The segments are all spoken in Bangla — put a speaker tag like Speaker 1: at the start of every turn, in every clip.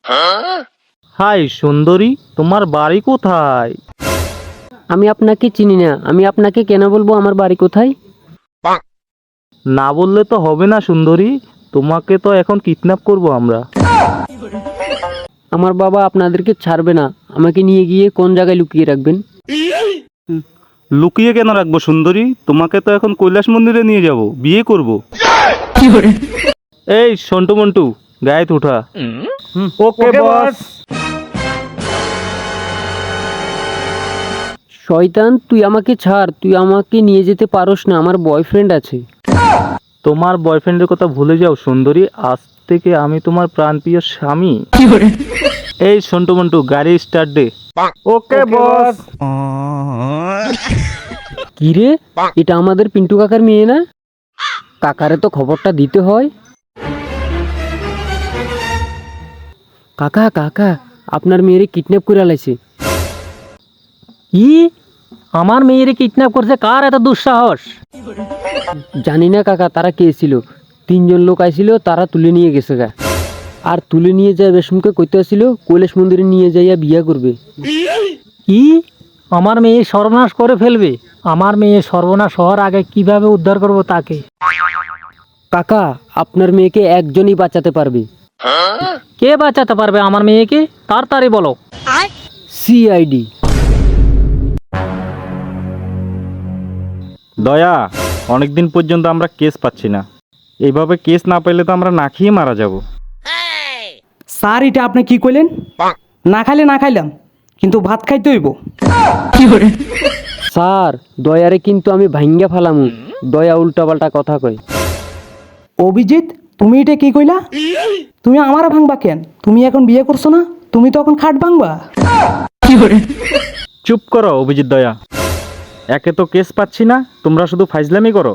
Speaker 1: হাই সুন্দরী, তোমার বাড়ি কোথায়?
Speaker 2: আমি আপনাকে চিনি না, আমি আপনাকে কেন বলবো আমার বাড়ি কোথায়?
Speaker 1: না বললে তো হবে না সুন্দরী, তোমাকে তো এখন কিডন্যাপ করব আমরা।
Speaker 2: আমার বাবা আপনাদেরকে ছাড়বে না, আমাকে নিয়ে গিয়ে কোন জায়গায় লুকিয়ে রাখবেন?
Speaker 1: লুকিয়ে কেন রাখবো সুন্দরী, তোমাকে তো এখন কৈলাস মন্দিরে নিয়ে যাব, বিয়ে করব। এই সন্টু মন্টু, গায়ে উঠা। ওকে বস।
Speaker 2: শয়তান, তুই আমাকে ছাড়, তুই আমাকে নিয়ে যেতে পারোস না, আমার বয়ফ্রেন্ড আছে।
Speaker 1: তোমার বয়ফ্রেন্ডের কথা ভুলে যাও সুন্দরী, আজ থেকে আমি তোমার প্রাণপ্রিয় স্বামী। এই সন্টু মন্টু, গাড়ি স্টার্ট দে। ওকে বস।
Speaker 2: কি রে, এটা আমাদের পিন্টু কাকার মেয়ে না? কাকারে তো খবরটা দিতে হয়। কাকা কাকা, আপনার মেয়েরে কিডন্যাপ করে আলাইছে।
Speaker 3: কি? আমার মেয়েরে কিডন্যাপ করছে? কার এত দুঃসাহস?
Speaker 2: জানি না কাকা, তারা কে ছিল, 3জন লোক আইছিল, তারা তুলে নিয়ে গেছে গা। আর তুলে নিয়ে যায় রেশমকে কইতে আসছিল কৈলাস মন্দিরে নিয়ে যাইয়া বিয়া করবে।
Speaker 3: কি? আমার মেয়ে সর্বনাশ করে ফেলবে? আমার মেয়ে সর্বনাশ হওয়ার আগে কিভাবে উদ্ধার করব তাকে?
Speaker 2: কাকা, আপনার মেয়েকে একজনই বাঁচাতে পারবে।
Speaker 3: কে বাঁচাতে পারবে আমার মেয়েকে? তাড়াতাড়ি বলো।
Speaker 2: সিআইডি।
Speaker 1: দয়া, অনেকদিন পর্যন্ত আমরা কেস পাচ্ছি না, এইভাবে কেস না পেলে তো আমরা না খেয়ে মারা যাব।
Speaker 4: স্যার, এটা আপনি কি কইলেন? না খাইলে না খাইলাম, কিন্তু ভাত খাইতে হইব।
Speaker 2: স্যার, দয়ারে কিন্তু আমি ভাঙ্গা ফালামু, দয়া উল্টাপাল্টা কথা কয়।
Speaker 4: অভিজিৎ, তুমি এটা কি কইলা? তুমি আমারও ভাঙবা কেন? তুমি এখন বিয়ে করছো না, তুমি তো এখন খাট ভাঙবা।
Speaker 1: চুপ করো অভিজিৎ দয়া, একে তো কেস পাচ্ছি না, তোমরা শুধু ফাইজলামি করো।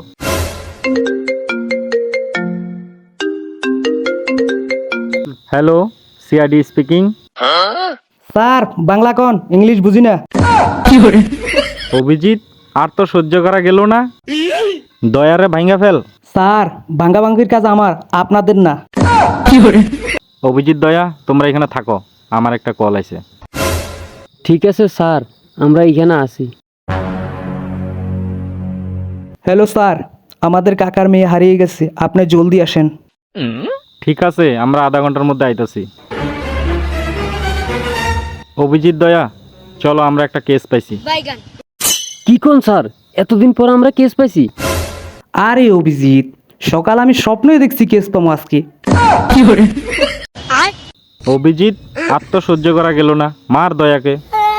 Speaker 1: Hello, CID speaking.
Speaker 4: Sir, Bangla কন, ইংলিশ বুঝি না।
Speaker 1: অভিজিৎ, আর তো সহ্য করা গেল না, দয়ারে ভাঙ্গা ফেল।
Speaker 4: স্যার, ভাঙ্গা ভাঙ্গির কাজ আমার, আপনাদের না।
Speaker 1: অভিজিৎ দয়া, তোমরা এখানে থাকো, আমার একটা কল আছে।
Speaker 2: ঠিক আছে স্যার, আমরা এখানে আসি।
Speaker 4: হ্যালো স্যার, আমাদের কাকার মেয়ে হারিয়ে গেছে, আপনি জলদি আসেন।
Speaker 1: ঠিক আছে, আমরা আধা ঘন্টার মধ্যে আইতাছি। অভিজিৎ দয়া, চলো, আমরা একটা কেস পাইছি।
Speaker 2: কি কোন স্যার, এতদিন পর আমরা কেস পাইছি?
Speaker 4: আরে অভিজিৎ, সকাল আমি স্বপ্নই দেখছি কেস পাবো আজকে।
Speaker 1: অভিজিৎ, আর তো সহ্য করা গেল না, মার দয়াকে।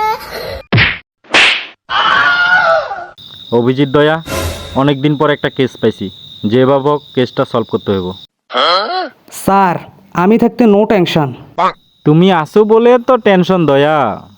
Speaker 1: অভিজিৎ দয়া, অনেকদিন পর একটা কেস পাইছি, যেভাবে হোক কেসটা সলভ করতে হইব।
Speaker 4: স্যার, আমি থাকতে নো টেনশন।
Speaker 1: তুমি আসো বলে তো টেনশন দয়া।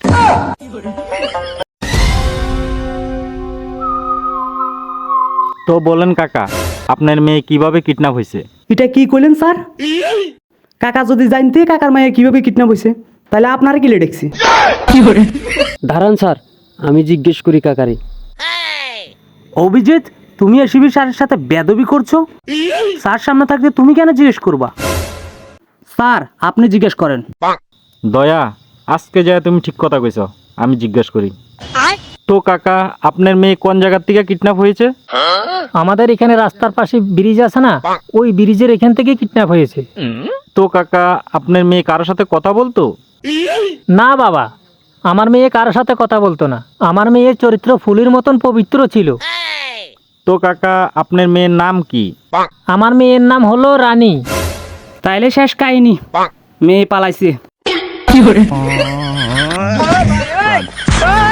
Speaker 1: তো বলেন কাকা, আপনার মেয়ে কিভাবে কিডন্যাপ হয়েছে?
Speaker 4: এটা কি কইলেন স্যার? কাকা যদি জানতে কাকার মায়ের কিভাবে কিডন্যাপ হয়েছে, তাহলে আপনারা কি লেডেছি?
Speaker 2: দাঁড়ান স্যার, আমি জিজ্ঞেস করি কাকারে।
Speaker 3: অভিজিৎ, তুমি এসিবি স্যারের সাথে বেদবি করছো? স্যার সামনে থাকতে তুমি কেন জিজ্ঞেস করবা?
Speaker 4: স্যার, আপনি জিজ্ঞেস করেন।
Speaker 1: দয়া, আজকে যায় তুমি ঠিক কথা কইছ, আমি জিজ্ঞেস করি। তো কাকা, আপনার মেয়ে কোন জায়গার থেকে কিডন্যাপ হয়েছে?
Speaker 3: আমাদের এখানে রাস্তার পাশে ব্রিজ আছে না, ওই ব্রিজের এখান থেকে কিডন্যাপ হয়েছে।
Speaker 1: তো কাকা, আপনার মেয়ে কারোর সাথে কথা বলতো?
Speaker 3: না বাবা, আমার মেয়ে কারোর সাথে কথা বলতো না, আমার মেয়ের চরিত্র ফুলের মতন পবিত্র ছিল।
Speaker 1: তো কাকা, আপনার মেয়ের নাম কি?
Speaker 3: আমার মেয়ের নাম হলো রানী।
Speaker 4: তাইলে শেষ কাহিনী, মেয়ে পালাইছে।